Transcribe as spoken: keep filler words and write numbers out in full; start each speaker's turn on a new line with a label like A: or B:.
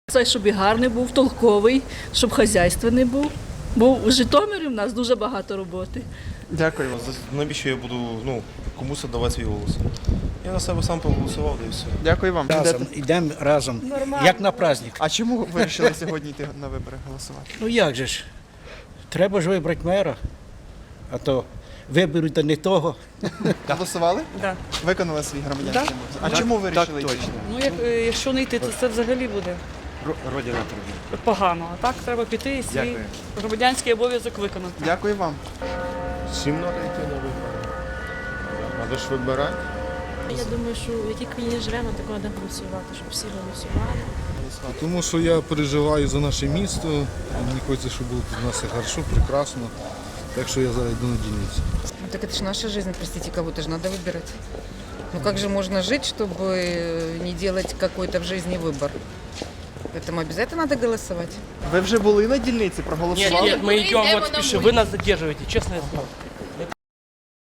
A: Це, щоб і гарний був, толковий, щоб хазяйственний був. Бо в Житомирі в нас дуже багато роботи.
B: Дякую.
C: Навіщо я буду ну, комусь давати свій голос? Я на себе сам проголосував, да і все.
B: Дякую вам.
D: Разом, йдемо разом, як на праздник.
B: А чому ви вирішили сьогодні йти на вибори голосувати?
D: Ну як же ж, треба ж вибрати мера, а то виберуть та не того.
B: Голосували?
E: Да.
B: Виконали свій громадянський обов'язок. А чому ви вирішили йти?
E: Ну, як, е, якщо не йти, то це взагалі буде
D: Родина тобі.
E: погано. А так треба піти і свій
B: Дякую.
E: громадянський обов'язок виконати.
B: Дякую вам.
C: Всім треба йти на вибори. Треба ж вибирати.
F: Я думаю, що в якій країні живемо, такого треба голосувати, щоб всі голосували.
G: Тому що я переживаю за наше місто, мені хочеться, щоб було тут у нас все хорошо, прекрасно. Так що я зараз йду на дільницю.
H: Ну, так это же наша жизнь, простите, кого-то же надо выбирать. Ну как же можно жить, чтобы не делать какой-то в жизни выбор? Поэтому обязательно надо голосовать.
B: Ви вже були на дільниці, проголосували?
I: Нет, нет, мы идем вот спешим. Вы нас задерживаете, честно я скажу.